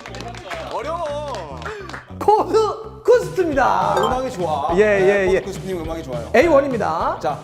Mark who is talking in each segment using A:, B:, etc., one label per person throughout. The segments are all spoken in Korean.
A: 어려워.
B: 코드 쿠스트입니다.
A: 음악이 좋아.
B: 예.
A: 쿠스님 음악이 좋아요.
B: A1입니다.
A: 자.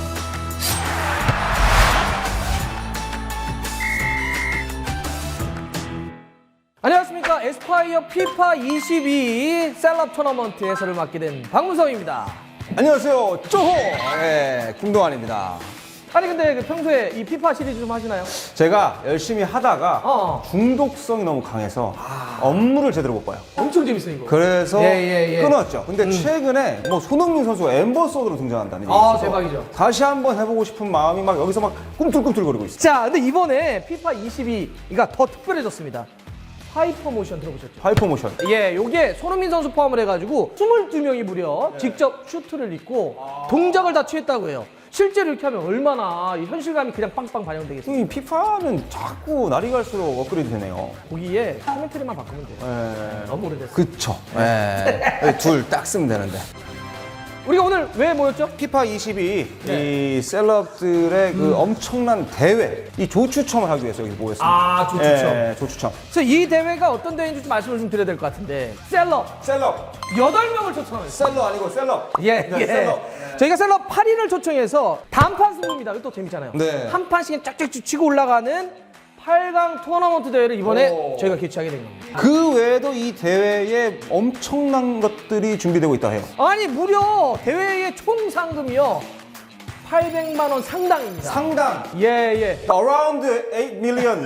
B: 안녕하십니까. 에스콰이어 피파 22 셀럽 토너먼트 해설을 맡게 된 박문성입니다.
A: 안녕하세요. 쪼호. 네, 김동환입니다.
B: 아니 근데 그 평소에 이 피파 시리즈 좀 하시나요?
A: 제가 열심히 하다가 중독성이 너무 강해서 업무를 제대로 못 봐요.
B: 엄청 재밌어요 이거.
A: 그래서
B: 예.
A: 끊었죠. 근데 최근에 뭐 손흥민 선수가 엠버서더로 등장한다는 얘기 있어서
B: 대박이죠.
A: 다시 한번 해보고 싶은 마음이 막 여기서 막 꿈틀꿈틀거리고 있어요.
B: 자, 근데 이번에 피파 22가 더 특별해졌습니다. 하이퍼 모션 들어보셨죠?
A: 하이퍼 모션.
B: 예, 요게 손흥민 선수 포함을 해가지고 22명이 무려 직접 슈트를 입고 동작을 다 취했다고 해요. 실제로 이렇게 하면 얼마나 이 현실감이 그냥 빵빵 반영되겠어요.
A: 이 피파는 자꾸 날이 갈수록 업그레이드 되네요.
B: 거기에 코멘트리만 바꾸면 돼요.
A: 예.
B: 너무 오래됐어요.
A: 그쵸. 예. 둘 딱 쓰면 되는데.
B: 우리가 오늘 왜 모였죠?
A: 피파 22, 이 셀럽들의 그 엄청난 대회, 이 조추첨을 하기 위해서 여기 모였습니다.
B: 아, 조추첨.
A: 예, 조추첨.
B: 그래서 이 대회가 어떤 대회인지 좀 말씀을 좀 드려야 될 것 같은데 셀럽
A: 셀럽.
B: 8명을 초청합니다.
A: 셀러 아니고 셀럽.
B: 예.
A: 셀럽.
B: 저희가 셀럽 8인을 초청해서 단판 승부입니다. 이거 또 재밌잖아요.
A: 네.
B: 한 판씩 쫙쫙 치고 올라가는 8강 토너먼트 대회를 이번에 저희가 개최하게 된 겁니다.
A: 그 외에도 이 대회에 엄청난 것들이 준비되고 있다 해요.
B: 아니 무려 대회의 총 상금이요 800만 원 상당입니다.
A: 상당.
B: 예.
A: Around 8 million.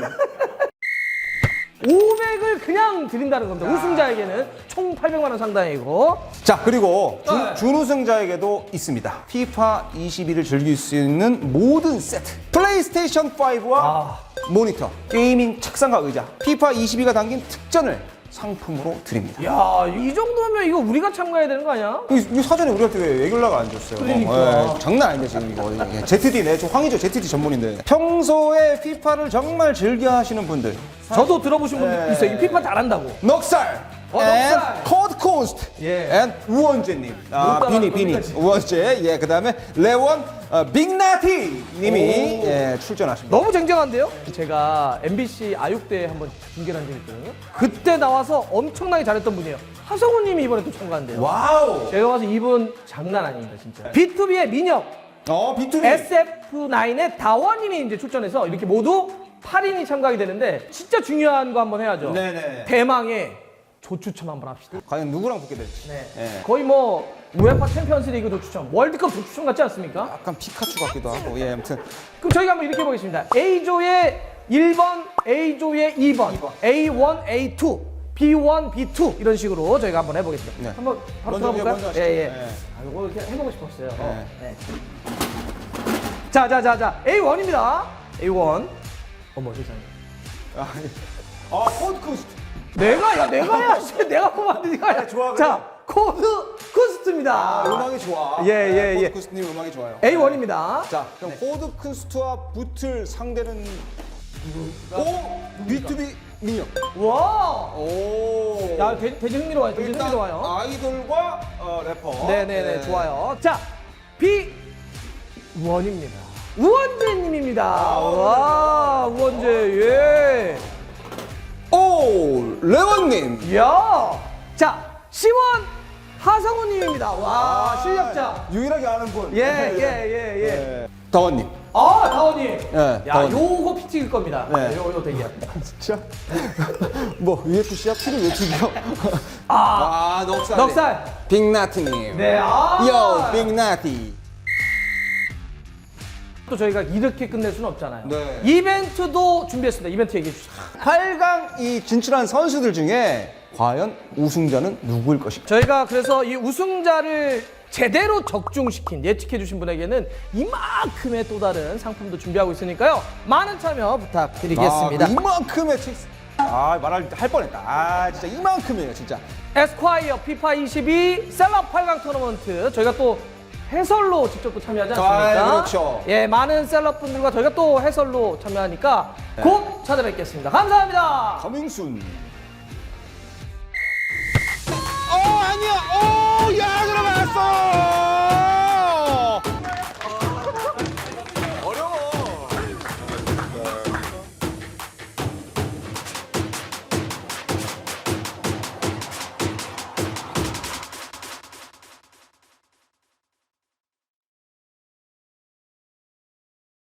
B: 500을 그냥 드린다는 겁니다. 우승자에게는 총 800만 원 상당이고.
A: 자, 그리고
B: 네.
A: 준우승자에게도 있습니다. 피파 22를 즐길 수 있는 모든 세트. 플레이스테이션 5와 모니터, 게이밍 책상과 의자, 피파 22가 담긴 특전을 상품으로 드립니다.
B: 야, 이 정도면 이거 우리가 참가해야 되는 거 아니야?
A: 이 사전에 우리한테 왜 연락을 안 줬어요?
B: 그러니까.
A: 장난 아닌데 지금 이거. ZD, 저 황의조 ZD 전문인데. 평소에 피파를 정말 즐겨 하시는 분들.
B: 저도 들어보신 분 있어요. 이 피파 잘한다고.
A: 넉살!
B: 넉살!
A: 코드 코스트!
B: 예.
A: and 우원재님. 비니.
B: 거기까지.
A: 우원재. 예, 그 다음에 레원 빅나티 님이 출전하십니다.
B: 너무 쟁쟁한데요? 제가 MBC 아육대에 한번 중계를 한 적이 있거든요. 그때 나와서 엄청나게 잘했던 분이에요. 하성우 님이 이번에 또 참가한대요.
A: 와우!
B: 제가 봐서 이분 장난 아닙니다, 진짜. B2B의 민혁,
A: B2B.
B: SF9의 다원님이 이제 출전해서 이렇게 모두 8인이 참가하게 되는데 진짜 중요한 거 한번 해야죠.
A: 네네.
B: 대망의 조추첨 한번 합시다.
A: 과연 누구랑 붙게 될지.
B: 네.
A: 예.
B: 거의 뭐 우에파 챔피언스 리그 조추첨, 월드컵 조추첨 같지 않습니까?
A: 약간 피카츄 같기도 하고. 예, 아무튼.
B: 그럼 저희가 한번 이렇게 해보겠습니다. A조의 1번, A조의 2번, A1, A2, B1, B2 이런 식으로 저희가 한번 해보겠습니다.
A: 네.
B: 한번 바로
A: 먼저
B: 들어볼까요?
A: 하시죠.
B: 예.
A: 네.
B: 아, 이거 이렇게 해보고 싶었어요.
A: 네.
B: 네. 자, A1입니다. A1. 어머 세상에.
A: 코드 코스트.
B: 내가 해야 내가 뽑았는데 네가 해야.
A: 좋아, 그래.
B: 자, 코드 쿠스트입니다.
A: 음악이 좋아.
B: 예.
A: 코드 코스트님 음악이 좋아요.
B: A1입니다.
A: 자, 그럼 코드 쿤스트와 붙을 상대는 B2B 민혁.
B: 와.
A: 오.
B: 야, 되게 흥미로워요. 되게
A: 일단
B: 흥미로워요.
A: 아이돌과 래퍼.
B: 네네네, 좋아요. 자, 우원입니다. 우원재님입니다. 와, 우원재, 예.
A: 오, 레원님.
B: 이야. 자, 시원 하성우님입니다. 와, 실력자.
A: 유일하게 아는 분.
B: 예.
A: 다원님.
B: 아, 다원님.
A: 예,
B: 야,
A: 다원님.
B: 요거 피튀길 겁니다.
A: 네.
B: 요거 되게.
A: 진짜? 뭐 UFC야? 피를 왜 튀겨? 넉살.
B: 넉살.
A: 빅나티님.
B: 네,
A: 요, 빅나티.
B: 또 저희가 이렇게 끝낼 수는 없잖아요.
A: 네.
B: 이벤트도 준비했습니다. 이벤트 얘기해 주시죠.
A: 8강 이 진출한 선수들 중에 과연 우승자는 누구일 것인가?
B: 저희가 그래서 이 우승자를 제대로 적중시킨 예측해 주신 분에게는 이만큼의 또 다른 상품도 준비하고 있으니까요. 많은 참여 부탁드리겠습니다.
A: 이만큼의 칙스. 말할 뻔했다. 진짜 이만큼이에요, 진짜.
B: 에스콰이어 피파 22 셀럽 8강 토너먼트 저희가 또 해설로 직접 또 참여하지 않습니까?
A: 그렇죠.
B: 예, 많은 셀럽 분들과 저희가 또 해설로 참여하니까 곧 찾아뵙겠습니다. 감사합니다.
A: 커밍순. 아니야. 야, 들어갔어.